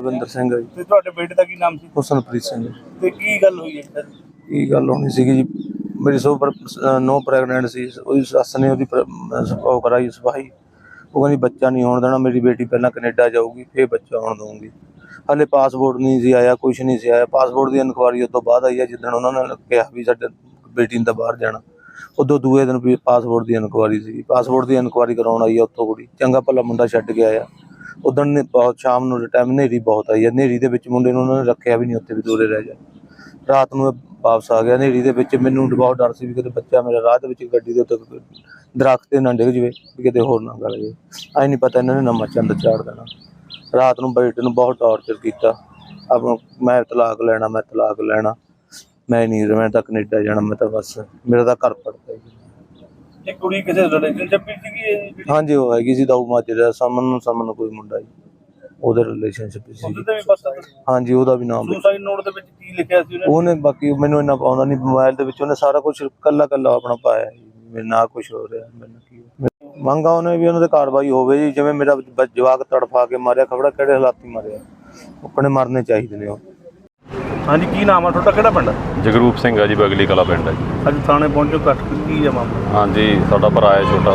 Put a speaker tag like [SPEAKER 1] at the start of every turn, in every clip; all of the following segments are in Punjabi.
[SPEAKER 1] ਬਲਵਿੰਦਰ ਸਿੰਘ ਹੈ ਜੀ।
[SPEAKER 2] ਤੇ ਤੁਹਾਡੇ ਬੇਟੇ ਦਾ ਕੀ ਨਾਮ ਸੀ?
[SPEAKER 1] ਹੁਸਨਪ੍ਰੀਤ ਸਿੰਘ।
[SPEAKER 2] ਤੇ ਕੀ ਗੱਲ ਹੋਈ ਹੈ ਸਰ?
[SPEAKER 1] ਕੀ ਗੱਲ ਹੋਣੀ ਸੀਗੀ ਜੀ, ਮੇਰੀ ਨੋ ਪ੍ਰੈਗਨੈਂਟ ਸੀ। ਉਹਦੀ ਸੱਸ ਨੇ ਉਹਦੀ ਉਹ ਕਰਾਈ ਸਫਾਈ। ਉਹ ਕਹਿੰਦੀ ਬੱਚਾ ਨਹੀਂ ਹੋਣ ਦੇਣਾ, ਮੇਰੀ ਬੇਟੀ ਪਹਿਲਾਂ ਕੈਨੇਡਾ ਜਾਊਗੀ ਫਿਰ ਬੱਚਾ ਹੋਣ ਦਊਂਗੀ। ਹਾਲੇ ਪਾਸਪੋਰਟ ਨਹੀਂ ਸੀ ਆਇਆ, ਕੁਛ ਨਹੀਂ ਸੀ ਆਇਆ। ਪਾਸਪੋਰਟ ਦੀ ਇਨਕੁਆਰੀ ਉਸ ਤੋਂ ਬਾਅਦ ਆਈ ਹੈ, ਜਿੱਦਣ ਉਹਨਾਂ ਨੇ ਕਿਹਾ ਵੀ ਸਾਡੇ ਬੇਟੀ ਨੇ ਤਾਂ ਬਾਹਰ ਜਾਣਾ। ਉਦੋਂ ਦੂਏ ਦਿਨ ਵੀ ਪਾਸਪੋਰਟ ਦੀ ਇਨਕੁਆਰੀ ਸੀ। ਪਾਸਪੋਰਟ ਦੀ ਇਨਕੁਆਰੀ ਕਰਾਉਣ ਆਈ ਆ ਉੱਥੋਂ ਕੁੜੀ, ਚੰਗਾ ਭਲਾ ਮੁੰਡਾ ਛੱਡ ਕੇ ਆਇਆ। ਉੱਦਣ ਨੇ ਬਹੁਤ ਸ਼ਾਮ ਨੂੰ ਟਾਈਮ ਹਨੇਰੀ ਬਹੁਤ ਆਈ ਹੈ। ਹਨੇਰੀ ਦੇ ਵਿੱਚ ਮੁੰਡੇ ਨੂੰ ਉਹਨਾਂ ਨੇ ਰੱਖਿਆ ਵੀ ਨਹੀਂ, ਉੱਥੇ ਵੀ ਦੂਰੇ ਰਹਿ ਜਾ। ਰਾਤ ਨੂੰ ਵਾਪਸ ਆ ਗਿਆ ਹਨੇਰੀ ਦੇ ਵਿੱਚ। ਮੈਨੂੰ ਬਹੁਤ ਡਰ ਸੀ ਵੀ ਕਿਤੇ ਬੱਚਾ ਮੇਰਾ ਰਾਹ ਦੇ ਵਿੱਚ ਗੱਡੀ ਦੇ ਉੱਤੇ ਦਰਖਤ ਤੇ ਨਾ ਡਿੱਗ ਜਾਵੇ, ਵੀ ਕਿਤੇ ਹੋਰ ਨਾ ਗਲ ਜਾਵੇ। ਐਂ ਨਹੀਂ ਪਤਾ ਇਹਨਾਂ ਨੇ ਨਵਾਂ ਚੰਦ ਚਾੜ ਦੇਣਾ। ਰਾਤ ਨੂੰ ਬੇਟੇ ਨੂੰ ਬਹੁਤ ਟਾਰਚਰ ਕੀਤਾ। ਆਪਣਾ ਮੈਂ ਤਲਾਕ ਲੈਣਾ, ਮੈਂ ਤਲਾਕ ਲੈਣਾ, ਮੈਂ ਨਹੀਂ, ਮੈਂ ਤਾਂ ਕੈਨੇਡਾ ਜਾਣਾ, ਮੈਂ ਤਾਂ ਬਸ ਮੇਰਾ ਤਾਂ ਘਰ ਪੜਦਾ ਜੀ।
[SPEAKER 2] ਇਹ ਕੁੜੀ ਕਿਸੇ ਰਿਲੇਸ਼ਨਸ਼ਿਪ ਵਿੱਚ ਸੀਗੀ?
[SPEAKER 1] ਹਾਂਜੀ, ਉਹ ਹੈਗੀ ਸੀ ਦਾਊ ਮਾਜਰੇ ਦਾ, ਸਮਨ ਕੋਈ ਮੁੰਡਾ ਜੀ, ਉਹਦੇ ਰਿਲੇਸ਼ਨਸ਼ਿਪ ਸੀ।
[SPEAKER 2] ਉਹਦੇ ਤੇ ਵੀ ਪਤਾ?
[SPEAKER 1] ਹਾਂਜੀ, ਉਹਦਾ ਵੀ ਨਾਮ
[SPEAKER 2] ਸੁਸਾਈਡ ਨੋਟ ਦੇ ਵਿੱਚ ਕੀ ਲਿਖਿਆ ਸੀ
[SPEAKER 1] ਉਹਨੇ? ਬਾਕੀ ਮੈਨੂੰ ਇੰਨਾ ਪਾਉਂਦਾ ਨਹੀਂ, ਮੋਬਾਈਲ ਦੇ ਵਿੱਚ ਉਹਨੇ ਸਾਰਾ ਕੁਝ ਕੱਲਾ ਆਪਣਾ ਪਾਇਆ ਜੀ। ਮੇਰੇ ਨਾਲ ਕੁਝ ਹੋ ਰਿਹਾ, ਮੈਨੂੰ ਕੀ ਮੰਗਾ ਉਹਨੇ ਵੀ ਉਹਨਾਂ ਤੇ ਕਾਰਵਾਈ ਹੋਵੇ ਜੀ। ਜਿਵੇਂ ਮੇਰਾ ਜਵਾਕ ਤੜਫਾ ਕੇ ਮਾਰਿਆ, ਖਬੜਾ ਕਿਹੜੇ ਹਾਲਾਤੀ ਮਾਰਿਆ, ਆਪਣੇ ਮਰਨੇ ਚਾਹੀਦੇ ਨੇ ਉਹ।
[SPEAKER 2] ਹਾਂਜੀ, ਕੀ ਨਾਮ ਆ ਤੁਹਾਡਾ, ਕਿਹੜਾ ਪਿੰਡ?
[SPEAKER 3] ਜਗਰੂਪ ਸਿੰਘ ਆ ਜੀ, ਬਗਲੀ ਕਲਾ ਪਿੰਡ ਹੈ ਜੀ।
[SPEAKER 2] ਅੱਜ ਥਾਣੇ ਪਹੁੰਚੋ, ਕੱਟ ਕੀ ਆ ਮਾਮਲਾ?
[SPEAKER 3] ਹਾਂਜੀ, ਸਾਡਾ ਭਰਾ ਹੈ ਛੋਟਾ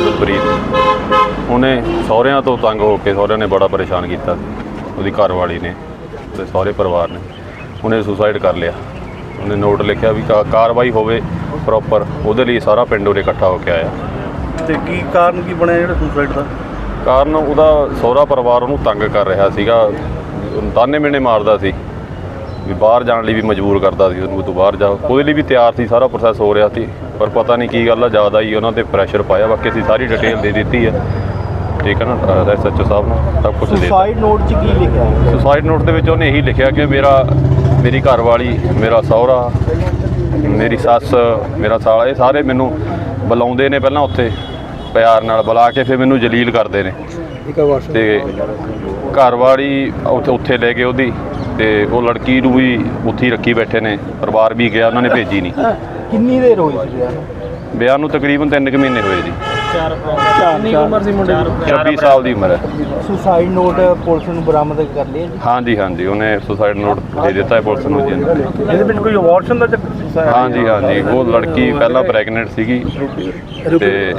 [SPEAKER 3] ਹੁਸਨਪ੍ਰੀਤ। ਉਹਨੇ ਸਹੁਰਿਆਂ ਤੋਂ ਤੰਗ ਹੋ ਕੇ, ਸਹੁਰਿਆਂ ਨੇ ਬੜਾ ਪਰੇਸ਼ਾਨ ਕੀਤਾ, ਉਹਦੀ ਘਰਵਾਲੀ ਨੇ ਤੇ ਸਹੁਰੇ ਪਰਿਵਾਰ ਨੇ। ਉਹਨੇ ਸੁਸਾਈਡ ਕਰ ਲਿਆ। ਉਹਨੇ ਨੋਟ ਲਿਖਿਆ ਵੀ ਕਾਰਵਾਈ ਹੋਵੇ ਪ੍ਰੋਪਰ, ਉਹਦੇ ਲਈ ਸਾਰਾ ਪਿੰਡ ਉਹਨੇ ਇਕੱਠਾ ਹੋ ਕੇ ਆਇਆ।
[SPEAKER 2] ਤੇ ਕੀ ਕਾਰਨ ਕੀ ਬਣਿਆ ਜਿਹੜਾ ਸੁਸਾਈਡ ਦਾ?
[SPEAKER 3] ਕਾਰਨ ਉਹਦਾ ਸਹੁਰਾ ਪਰਿਵਾਰ ਉਹਨੂੰ ਤੰਗ ਕਰ ਰਿਹਾ ਸੀਗਾ, ਤਾਨੇ ਮਿਹਣੇ ਮਾਰਦਾ ਸੀ ਵੀ ਬਾਹਰ ਜਾਣ ਲਈ ਵੀ ਮਜਬੂਰ ਕਰਦਾ ਸੀ ਉਹਨੂੰ, ਤੂੰ ਬਾਹਰ ਜਾ। ਉਹਦੇ ਲਈ ਵੀ ਤਿਆਰ ਸੀ, ਸਾਰਾ ਪ੍ਰੋਸੈਸ ਹੋ ਰਿਹਾ ਸੀ, ਪਰ ਪਤਾ ਨਹੀਂ ਕੀ ਗੱਲ ਆ, ਜ਼ਿਆਦਾ ਹੀ ਉਹਨਾਂ 'ਤੇ ਪ੍ਰੈਸ਼ਰ ਪਾਇਆ। ਬਾਕੀ ਅਸੀਂ ਸਾਰੀ ਡਿਟੇਲ ਦੇ ਦਿੱਤੀ ਹੈ, ਠੀਕ ਹੈ ਨਾ, SHO ਸਾਹਿਬ ਨੂੰ ਸਭ ਕੁਛ ਦੇ ਦਿੱਤਾ।
[SPEAKER 2] ਸੁਸਾਈਡ ਨੋਟ 'ਚ ਕੀ ਲਿਖਿਆ?
[SPEAKER 3] ਸੁਸਾਈਡ ਨੋਟ ਦੇ ਵਿੱਚ ਉਹਨੇ ਇਹੀ ਲਿਖਿਆ ਕਿ ਮੇਰੀ ਘਰਵਾਲੀ, ਮੇਰਾ ਸਹੁਰਾ, ਮੇਰੀ ਸੱਸ, ਮੇਰਾ ਸਾਲਾ, ਇਹ ਸਾਰੇ ਮੈਨੂੰ ਬੁਲਾਉਂਦੇ ਨੇ। ਪਹਿਲਾਂ ਉੱਥੇ ਪਿਆਰ ਨਾਲ ਬੁਲਾ ਕੇ ਫਿਰ ਮੈਨੂੰ ਜਲੀਲ ਕਰਦੇ ਨੇ। ਤੇ ਘਰਵਾਲੀ ਉੱਥੇ ਲੈ ਗਏ ਉਹਦੀ, ਤੇ ਉਹ ਲੜਕੀ ਨੂੰ ਵੀ ਉੱਥੇ ਹੀ ਰੱਖੀ ਬੈਠੇ ਨੇ। ਪਰਿਵਾਰ ਵੀ ਗਿਆ, ਉਹਨਾਂ ਨੇ ਭੇਜੀ ਨਹੀਂ।
[SPEAKER 2] ਕਿੰਨੀ ਦੇਰ ਹੋਈ ਸੀ
[SPEAKER 3] ਵਿਆਹ ਨੂੰ? ਤਕਰੀਬਨ 3 ਕੁ ਮਹੀਨੇ ਹੋਏ ਜੀ।
[SPEAKER 2] ਕਿੰਨੀ ਉਮਰ ਸੀ ਮੁੰਡੇ ਦੀ?
[SPEAKER 3] 26 ਸਾਲ ਦੀ ਉਮਰ ਹੈ।
[SPEAKER 2] ਸੁਸਾਈਡ ਨੋਟ ਪੁਲਿਸ ਨੂੰ ਬਰਾਮਦ ਕਰ ਲਿਆ ਜੀ?
[SPEAKER 3] ਹਾਂਜੀ, ਉਹਨੇ ਸੁਸਾਈਡ ਨੋਟ ਦੇ ਦਿੱਤਾ ਹੈ ਪੁਲਿਸ ਨੂੰ ਜੀ।
[SPEAKER 2] ਇਹਦੇ ਵਿੱਚ ਕੋਈ ਅਬੋਰਸ਼ਨ ਦਾ ਚੱਕਰ?
[SPEAKER 3] ਹਾਂਜੀ, ਉਹ ਲੜਕੀ ਪਹਿਲਾਂ ਪ੍ਰੈਗਨੈਂਟ ਸੀਗੀ ਤੇ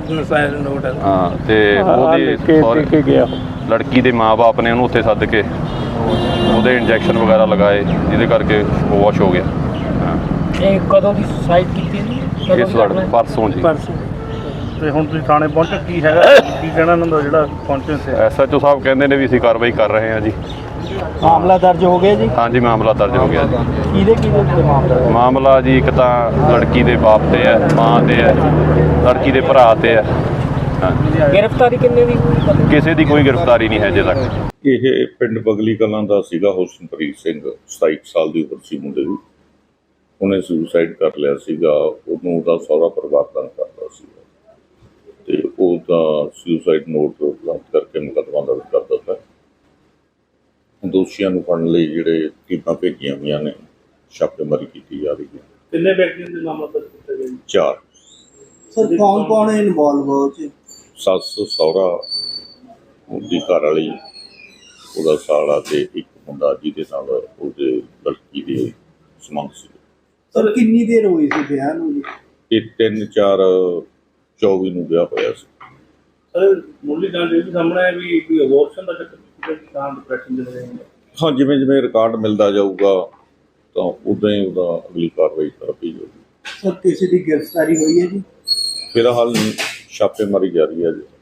[SPEAKER 3] ਹਾਂ, ਤੇ ਉਹਦੀ ਲੜਕੀ ਦੇ ਮਾਂ-ਬਾਪ ਨੇ ਉਹਨੂੰ ਉੱਥੇ ਸੱਦ ਕੇ ਉਹਦੇ ਇੰਜੈਕਸ਼ਨ ਵਗੈਰਾ ਲਗਾਏ, ਜਿਹਦੇ ਕਰਕੇ ਉਹ ਵਾਸ਼ ਹੋ ਗਿਆ।
[SPEAKER 4] ਇਹ ਕਦੋਂ ਦੀ ਸੁਸਾਈਡ ਕੀਤੀ ਜੀ?
[SPEAKER 3] ਇਸ ਪਰਸੋਂ ਜੀ।
[SPEAKER 2] ਤੇ ਹੁਣ ਤੁਸੀਂ ਥਾਣੇ ਪਹੁੰਚੋ, ਕੀ ਹੈਗਾ, ਕੀ ਕਹਿਣਾ ਇਹਨਾਂ ਦਾ ਜਿਹੜਾ ਪਹੁੰਚੇ ਸੀ?
[SPEAKER 3] SHO ਸਾਹਿਬ ਕਹਿੰਦੇ ਨੇ ਵੀ ਅਸੀਂ ਕਾਰਵਾਈ ਕਰ ਰਹੇ ਹਾਂ ਜੀ।
[SPEAKER 2] ਮਾਮਲਾ ਦਰਜ ਹੋ ਗਿਆ ਜੀ?
[SPEAKER 3] ਹਾਂਜੀ, ਮਾਮਲਾ ਦਰਜ ਹੋ ਗਿਆ ਜੀ।
[SPEAKER 2] ਕਿਹਦੇ
[SPEAKER 3] ਮਾਮਲਾ ਜੀ, ਇੱਕ ਤਾਂ ਲੜਕੀ ਦੇ ਬਾਪ ਤੇ ਹੈ, ਮਾਂ ਤੇ ਹੈ, ਲੜਕੀ ਦੇ ਭਰਾ ਤੇ ਹੈ।
[SPEAKER 4] ਗ੍ਰਿਫਤਾਰੀ ਕਿੰਨੇ ਦੀ?
[SPEAKER 3] ਕਿਸੇ ਦੀ ਕੋਈ ਗ੍ਰਿਫਤਾਰੀ ਨਹੀਂ ਹੈ ਅਜੇ ਤੱਕ।
[SPEAKER 5] ਇਹ ਪਿੰਡ ਬਗਲੀ ਕਲਾਂ ਦਾ ਸੀਗਾ ਹੁਸਨਪ੍ਰੀਤ ਸਿੰਘ, 27 ਸਾਲ ਦੀ ਉਮਰ ਸੀ ਮੁੰਡੇ ਦੀ। ਉਹਨੇ ਸੁਸਾਈਡ ਕਰ ਲਿਆ ਸੀਗਾ। ਉਹਨੂੰ ਉਹਦਾ ਸਹੁਰਾ ਪਰਿਵਾਰ ਤੰਗ ਕਰਦਾ ਸੀਗਾ, ਤੇ ਉਹਦਾ ਸੁਸਾਈਡ ਨੋਟ ਬਰਾਮਦ ਕਰਕੇ ਮੁਕੱਦਮਾ ਦਰਜ ਕਰ ਦਿੱਤਾ। ਦੋਸ਼ੀਆਂ ਨੂੰ ਫੜਨ ਲਈ ਜਿਹੜੇ ਟੀਮਾਂ ਭੇਜੀਆਂ ਹੋਈਆਂ ਨੇ, ਛਾਪੇਮਾਰੀ ਕੀਤੀ ਜਾ ਰਹੀ ਹੈ।
[SPEAKER 2] ਕਿੰਨੇ ਵਿਅਕਤੀਆਂ ਦੇ ਮਾਮਲਾ ਦਰਜ ਕੀਤਾ ਗਿਆ?
[SPEAKER 5] 4।
[SPEAKER 2] ਸਰ, ਕੌਣ ਹੈ ਇਨਵੋਲਵ ਹੋ ਚ?
[SPEAKER 5] ਸੱਸ, ਸਹੁਰਾ, ਉਹਦੀ ਘਰ ਵਾਲੀ, ਉਹਦਾ ਸਾਲਾ ਤੇ ਇੱਕ ਮੁੰਡਾ ਜਿਹਦੇ ਨਾਲ ਉਹਦੇ ਲੜਕੀ ਦੇ ਸੰਬੰਧ ਸੀ।
[SPEAKER 2] ਸਰ, ਕਿੰਨੀ ਦੇਰ ਹੋਈ ਸੀ ਵਿਆਹ ਨੂੰ ਜੀ?
[SPEAKER 5] ਇਹ 3/4/24 ਨੂੰ ਵਿਆਹ ਹੋਇਆ ਸੀ।
[SPEAKER 2] ਸਰ, ਮੁੱਢਲੀ ਜਾਣਕਾਰੀ ਵੀ ਸਾਹਮਣੇ ਆਇਆ ਵੀ ਕੋਈ ਅਬੋਰਸ਼ਨ ਦਾ ਚੱਕਰ ਤਾਂ ਡਿਪਰੈਸ਼ਨ ਦੇ ਰਹੇ ਨੇ।
[SPEAKER 5] ਹਾਂ, ਜਿਵੇਂ ਰਿਕਾਰਡ ਮਿਲਦਾ ਜਾਊਗਾ ਤਾਂ ਉਦਾਂ ਹੀ ਉਹਦਾ ਅਗਲੀ ਕਾਰਵਾਈ ਕਰਦੀ ਜਾਊਗੀ।
[SPEAKER 2] ਸਰ, ਕਿਸੇ ਦੀ ਗ੍ਰਿਫਤਾਰੀ ਹੋਈ ਹੈ ਜੀ?
[SPEAKER 5] ਫਿਲਹਾਲ ਛਾਪੇਮਾਰੀ ਜਾਰੀ ਹੈ ਜੀ।